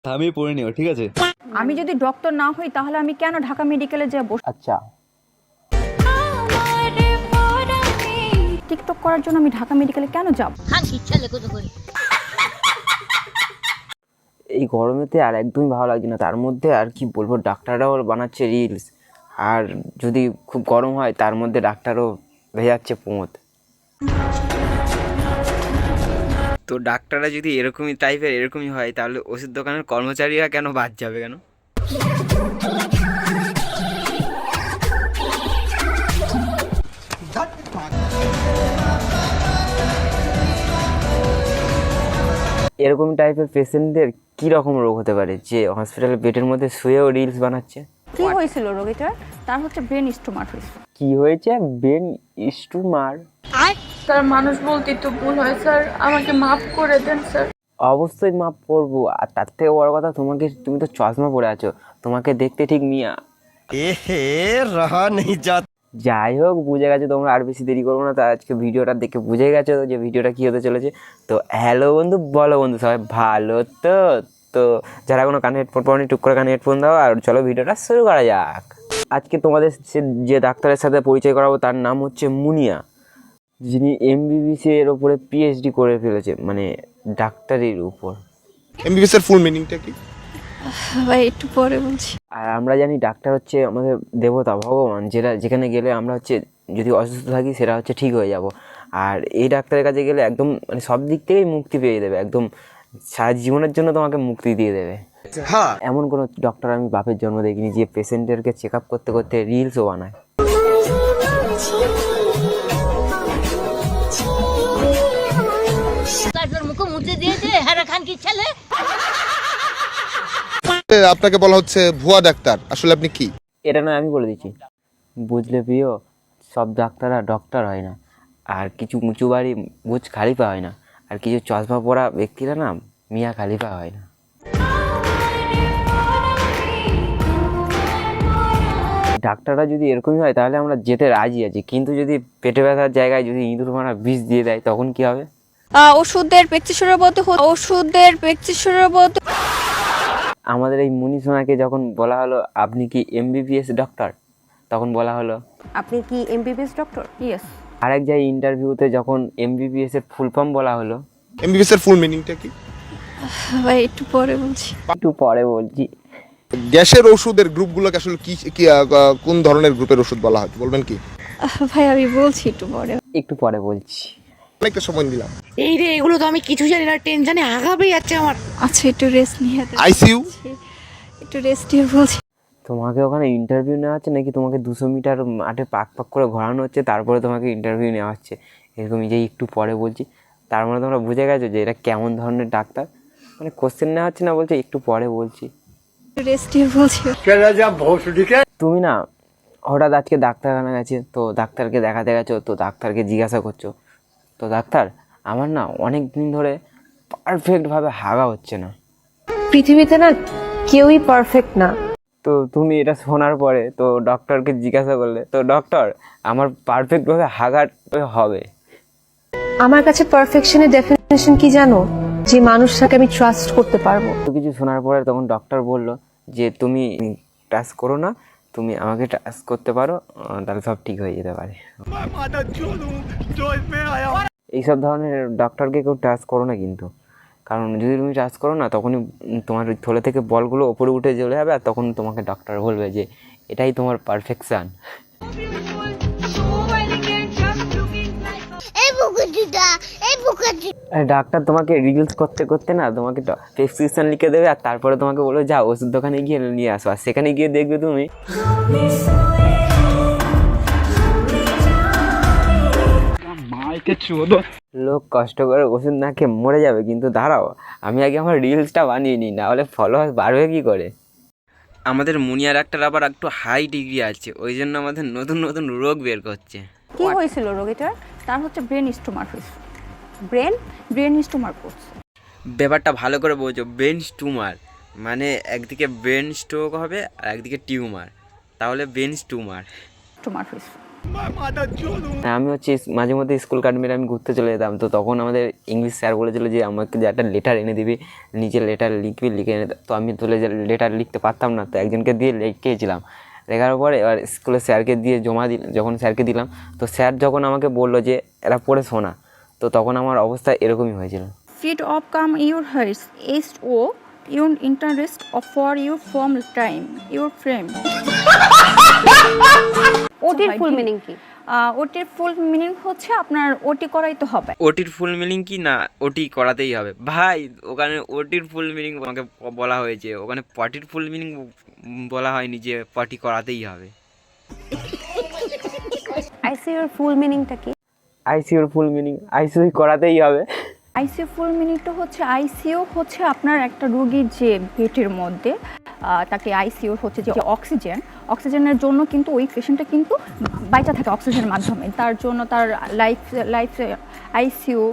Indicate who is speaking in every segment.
Speaker 1: আমি পড়ে নিও, ঠিক আছে?
Speaker 2: আমি যদি ডক্টর না হই তাহলে আমি কেন ঢাকা মেডিকেলে যাব?
Speaker 3: আচ্ছা,
Speaker 2: টিকটক করার জন্য আমি ঢাকা মেডিকেলে কেন যাব?
Speaker 3: এই গরমেতে আর একদমই ভালো লাগছে না। তার মধ্যে আর কি বলবো, ডাক্তাররাও বানাচ্ছে রিলস, আর যদি খুব গরম হয় তার মধ্যে ডাক্তারও ভেজাচ্ছে পোঁত। তো ডাক্তাররা যদি এরকমই টাইপের এরকমই হয়, তাহলে ওষুধ দোকানের কর্মচারীরা কেন বাদ যাবে কেন? এরকম টাইপের পেশেন্টদের কি রকম রোগ হতে পারে যে হসপিটালের বেডের মধ্যে শুয়েও রিলস বানাচ্ছে?
Speaker 2: কি হয়েছিল রোগীটার? তার হচ্ছে ব্রেন স্টোমার হয়েছে।
Speaker 3: কি হয়েছে? ব্রেন স্টুমার?
Speaker 4: স্যার মানুষ বলতে তো ভুল হয় স্যার, আমাকে মাফ করে দেন স্যার।
Speaker 3: অবশ্যই মাপ করবো। আর তার থেকে বড় কথা, তুমি তো চশমা পরে আছো, তোমাকে দেখতে ঠিক মিয়া।
Speaker 1: রাহা নেই যাত।
Speaker 3: যাই হোক, বুঝে গেছো তোমরা, আর বেশি দেরি করবো না। তা আজকে ভিডিওটা দেখে বুঝে গেছো যে ভিডিওটা কী হতে চলেছে। তো হ্যালো বন্ধু, বলো বন্ধু, সবাই ভালো তো? তো যারা কোনো কানে হেডফোন পাওনি, টুক করে কানে হেডফোন দাও, আর চলো ভিডিওটা শুরু করা যাক। আজকে তোমাদের যে ডাক্তারের সাথে পরিচয় করাবো তার নাম হচ্ছে মুনিয়া, যিনি এমবিবিএস এর ওপরে পিএইচডি করে ফেলেছে, মানে ডাক্তারির উপর।
Speaker 5: এমবিবিএস এর ফুল মিনিংটা কি?
Speaker 4: ভাই একটু পরে বলছি।
Speaker 3: আর আমরা জানি ডাক্তার হচ্ছে আমাদের দেবতা, ভগবান, যেখানে গেলে আমরা হচ্ছে যদি অসুস্থ থাকি সেটা হচ্ছে ঠিক হয়ে যাব। আর এই ডাক্তারের কাছে গেলে একদম মানে সব দিক থেকেই মুক্তি পেয়ে দেবে, একদম সারা জীবনের জন্য তোমাকে মুক্তি দিয়ে দেবে।
Speaker 5: হ্যাঁ,
Speaker 3: এমন কোনো ডক্টর আমি বাপের জন্ম দেখিনি যে পেশেন্টেরকে চেক আপ করতে করতে রিলসও বানায়।
Speaker 5: আপনাকে বলা হচ্ছে ভুয়া ডাক্তার, আসলে আপনি কি?
Speaker 3: এটা নয়, আমি বলে দিচ্ছি, বুঝলে প্রিয়, সব ডাক্তাররা ডক্টর হয় না, আর কিছু উঁচু বাড়ি বুঝ খালিফা হয় না, আর কিছু চশমা পরা ব্যক্তিরা না মিয়া খালিফা হয় না। ডাক্তাররা যদি এরকমই হয় তাহলে আমরা যেতে রাজি আছি, কিন্তু যদি পেটে ব্যথার জায়গায় যদি ইঁদুর মারা বিষ দিয়ে দেয় তখন কি হবে?
Speaker 4: ওষুধের প্রেসক্রিপশনের মধ্যে
Speaker 3: আমাদের এই মুনি সোনাকে যখন বলা হলো আপনি কি এমবিবিএস ডক্টর, তখন বলা হলো
Speaker 2: আপনি কি এমবিবিএস ডক্টর? ইয়েস।
Speaker 3: আরেক জায়গায় ইন্টারভিউতে যখন এমবিবিএস এর ফুল ফর্ম বলা হলো,
Speaker 5: এমবিবিএস এর ফুল মিনিংটা কি?
Speaker 4: ভাই একটু পরে বলছি।
Speaker 3: একটু পরে বলছি।
Speaker 5: গ্যাসের ওষুধের গ্রুপগুলোকে আসলে কি কি কোন ধরনের গ্রুপের ওষুধ বলা হয় বলবেন কি?
Speaker 4: ভাই আমি বলছি
Speaker 3: একটু পরে বলছি।
Speaker 5: অনেকটা সময় দিলাম।
Speaker 6: এই রে, এগুলো তো আমি কিছু জানি না, টেনশনে আগাবে যাচ্ছে আমার।
Speaker 4: আচ্ছা একটু রেস্ট নিয়ে
Speaker 5: আইসিইউ
Speaker 4: একটু রেস্ট নিয়ে বলছি।
Speaker 3: তোমাকে ওখানে ইন্টারভিউ নেওয়া হচ্ছে নাকি তোমাকে 200 মিটার মাঠে পাক পাক করে ঘোরানো হচ্ছে, তারপরে তোমাকে ইন্টারভিউ নেওয়া হচ্ছে এরকমই যে একটু পরে বলছি? তার মানে তোমরা বুঝে গেছো যে এটা কেমন ধরনের ডাক্তার। মানে কোশ্চেন নেওয়া হচ্ছে না, বলছে একটু পরে বলছি।
Speaker 4: একটু রেস্ট নিয়ে বলছি।
Speaker 3: তুমি না হঠাৎ আজকে ডাক্তারখানা গেছে, তো ডাক্তারকে দেখাতে গেছো, তো ডাক্তারকে জিজ্ঞাসা করছো, তো ডাক্তার আমার না অনেক দিন ধরে পারফেক্টভাবে হাগা হচ্ছে না।
Speaker 7: পৃথিবীতে না কেউই পারফেক্ট না।
Speaker 3: তো তুমি এটা শোনার পরে তো ডক্টরকে জিজ্ঞাসা করলে, তো ডক্টর আমার পারফেক্টভাবে হাগা হবে?
Speaker 7: আমার কাছে পারফেকশনের ডেফিনেশন কি জানো? যে মানুষটাকে আমি ট্রাস্ট করতে পারবো।
Speaker 3: তো কিছু শোনার পরে তখন ডক্টর বলল যে তুমি ট্রাস্ট করো না, তুমি আমাকে ট্রাস্ট করতে পারো, তাহলে সব ঠিক হয়ে যেতে পারে। এইসব ধরনের ডক্টরকে কেউ ট্রাস্ট করো না কিন্তু, কারণ যদি তুমি ট্রাস্ট করো না তখনই তোমার থলে থেকে বলগুলো ওপরে উঠে চলে যাবে, আর তখন তোমাকে ডক্টর বলবে যে এটাই তোমার পারফেকশান। ডাক্তার তোমাকে রিলস করতে করতে না তোমাকে প্রেসক্রিপশন লিখে দেবে, আর তারপরে তোমাকে বলবে যাও ওষুধ দোকানে গিয়ে নিয়ে আসো, আর সেখানে গিয়ে দেখবে তুমি লোক কষ্ট করে ওষুধ না খেয়ে মরে যাবে, কিন্তু দাঁড়াও আমি আগে আমার রিলসটা বানিয়ে নিই, না হলে ফলোয়ার্স বাড়বে কী করে? আমাদের মুনিয়া ডাক্তার আবার একটু হাই ডিগ্রি আছে, ওই জন্য আমাদের নতুন নতুন রোগ বের করছে।
Speaker 2: কি হয়েছিল রোগীটার? তার হচ্ছে ব্রেন স্টোমার হয়েছে। ব্রেন স্টোমার করছে।
Speaker 3: ব্যাপারটা ভালো করে বোঝো, ব্রেন টিউমার মানে একদিকে ব্রেন স্ট্রোক হবে আর একদিকে টিউমার, তাহলে ব্রেন টিউমার
Speaker 2: হয়েছে।
Speaker 3: আমি হচ্ছে মাঝে মধ্যে স্কুল কাট মেরে আমি ঘুরতে চলে যেতাম, তো তখন আমাদের ইংলিশ স্যার বলেছিল যে আমাকে যে একটা লেটার এনে দিবি, নিজের লেটার লিখবি, লিখে এনে তো আমি তো লেটার লিখতে পারতাম না, তো একজনকে দিয়ে লিখেছিলাম। লেখার পরে এবার স্কুলে স্যারকে দিয়ে জমা দিলাম, যখন স্যারকে দিলাম তো স্যার যখন আমাকে বললো যে এরা পড়ে শোনা, তো তখন আমার অবস্থা এরকমই হয়েছিল।
Speaker 2: Fit of come your hearse est oh your interest of for your form time your frame.
Speaker 7: ওটির ফুল মিনিং কি?
Speaker 2: ওটির ফুল মিনিং হচ্ছে আপনার ওটি করাই তো হবে।
Speaker 3: ওটির ফুল মিনিং কি না, ওটি করাতেই হবে ভাই। ওখানে ওটির ফুল মিনিং আমাকে বলা হয়েছে, ওখানে পটির ফুল মিনিং বলা হয়নি যে পটি করাতেই হবে।
Speaker 7: আইসিইউর ফুল মিনিংটা কি?
Speaker 3: আইসিইউর ফুল মিনিং আইসিইউ করাতেই হবে।
Speaker 2: আইসিইউ ফুল মিনিংটা হচ্ছে আইসিইউ হচ্ছে আপনার একটা রোগীর যে পেটের মধ্যে তাকে আইসিইউ হচ্ছে যে অক্সিজেনের জন্য কিন্তু ওই পেশেন্টটা কিন্তু বাইচা থাকে অক্সিজেনের মাধ্যমে, তার জন্য তার লাইফ আইসিইউ।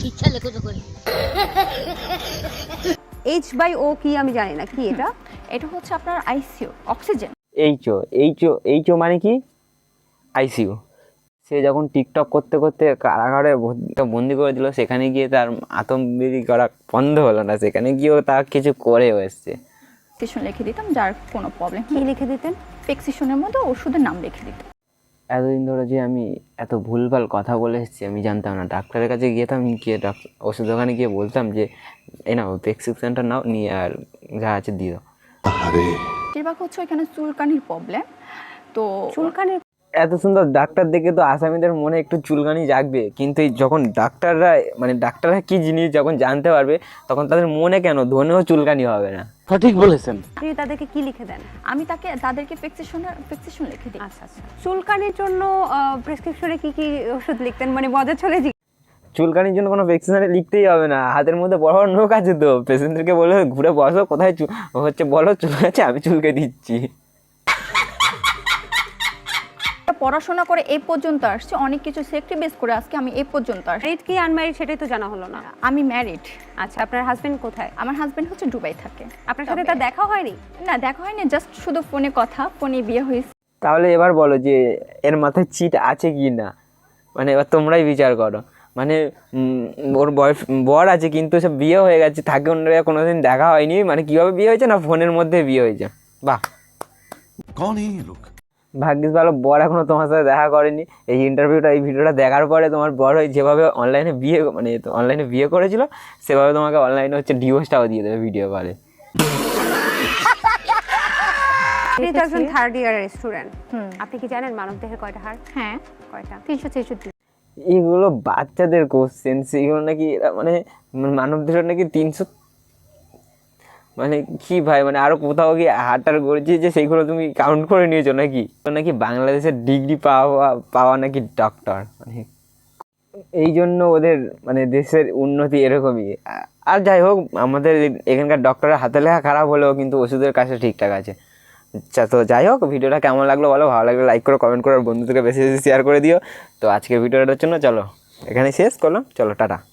Speaker 7: H/O কি আমি জানি না, কি এটা?
Speaker 2: এটা হচ্ছে আপনার আইসিইউ অক্সিজেন।
Speaker 3: এইচও মানে কি? আইসিইউ। সে যখন টিকটক করতে করতে কারাগারে বন্দি করে দিল, সেখানে গিয়ে তার আতঙ্কবিড়ি করা বন্ধ হলো না, সেখানে গিয়েও তা কিছু করেও এসছে।
Speaker 2: প্রেসক্রিপশন লিখে দিতাম, যার কোনো প্রবলেম
Speaker 7: কি লিখে দিতেন?
Speaker 2: প্রেসক্রিপশনের মধ্যে ওষুধের নাম লিখে দিতাম।
Speaker 3: এতদিন ধরে যে আমি এত ভুলভাল কথা বলে এসেছি আমি জানতাম না। ডাক্তারের কাছে যেতাম, গিয়ে ওষুধ দোকানে গিয়ে বলতাম যে এই নাও প্রেসক্রিপশনটা নাও, নিয়ে আর যা আছে দিয়ে দাও।
Speaker 2: বেশিরভাগ হচ্ছে এখানে চুলকানির প্রবলেম। তো
Speaker 7: চুলকানির?
Speaker 3: এত সুন্দর ডাক্তার দেখে তো আসামিদের মনে একটু চুলকানি জাগবে, কিন্তু যখন ডাক্তাররা কি জিনিস যখন জানতে পারবে, তখন তাদের মনে কেন ধনেও চুলকানি হবে না।
Speaker 8: সঠিক বলেছেন।
Speaker 7: আপনি তাদেরকে কি লিখে দেন?
Speaker 2: আমি তাদেরকে প্রেসক্রিপশন লিখে দিই।
Speaker 7: আচ্ছা আচ্ছা। চুলকানির জন্য প্রেসক্রিপশনে কি কি ওষুধ লিখতেন? মানে মজা চলে জি।
Speaker 3: চুলকানির জন্য কোনো প্রেসক্রিপশনে লিখতেই হবে না, হাতের মধ্যে বড় বড় নখ আছে, তো পেশেন্টদেরকে বলে ঘুরে বসো, কোথায় বলো চুলকাচ্ছে, আমি চুলকে দিচ্ছি।
Speaker 2: পড়াশোনা করে এই পর্যন্ত আসছে, অনেক কিছু স্যাক্রিফাইস করে আজকে আমি এই পর্যন্ত আসছি।
Speaker 7: ম্যারিড কি আনম্যারিড সেটাই তো জানা হলো না।
Speaker 2: আমি ম্যারিড।
Speaker 7: আচ্ছা, আপনার হাজবেন্ড কোথায়?
Speaker 2: আমার হাজবেন্ড হচ্ছে দুবাই থাকে।
Speaker 7: আপনার সাথে তার দেখা হয়নি?
Speaker 2: না, দেখা হয়নি, জাস্ট শুধু ফোনে কথা, ফোনে বিয়ে হয়েছে।
Speaker 3: তাহলে এবার বলো যে এর মাথায় চিট আছে কি না, মানে এবার তোমরাই বিচার করো। মানে ওর বর আছে কিন্তু সব বিয়ে হয়ে গেছে, থাকে অন্যরা কোনোদিন দেখা হয়নি, মানে কীভাবে বিয়ে হয়েছে না, ফোনের মধ্যে বিয়ে হয়েছে। বাহ, ভাগ্যিস ভালো বর এখনো তোমার সাথে দেখা করেনি। এই ভিডিওটা দেখার পরে তোমার বর যেভাবে অনলাইনে বিয়ে করেছিল, সেভাবে তোমাকে অনলাইনে হচ্ছে ডিভোর্সটাও দিয়ে দেবে ভিডিও কলে।
Speaker 7: আপনি তো একজন থার্ড ইয়ারের স্টুডেন্ট, আপনি কি জানেন মানবদেহে কয়টা হাড়?
Speaker 2: হ্যাঁ,
Speaker 7: কয়টা? 363।
Speaker 3: এইগুলো বাচ্চাদের কোশ্চেন, সেগুলো নাকি মানে মানবদেহের নাকি 300, মানে কি ভাই, মানে আরো কোথাও কি হাটার করেছি যে সেইগুলো তুমি কাউন্ট করে নিয়েছো নাকি বাংলাদেশের ডিগ্রি পাওয়া নাকি ডক্টর, মানে এই জন্য ওদের মানে দেশের উন্নতি এরকমই। আর যাই হোক, আমাদের এখানকার ডক্টরের হাতে লেখা খারাপ হলেও কিন্তু ওষুধের কাছে ঠিকঠাক আছে। আচ্ছা, তো যাই হোক, ভিডিওটা কেমন লাগলো বলো, ভালো লাগলে লাইক করো, কমেন্ট করো, আর বন্ধুদেরকে বেশি বেশি শেয়ার করে দিও। তো আজকের ভিডিওটার জন্য চলো এখানে শেষ করলাম, চলো টাটা।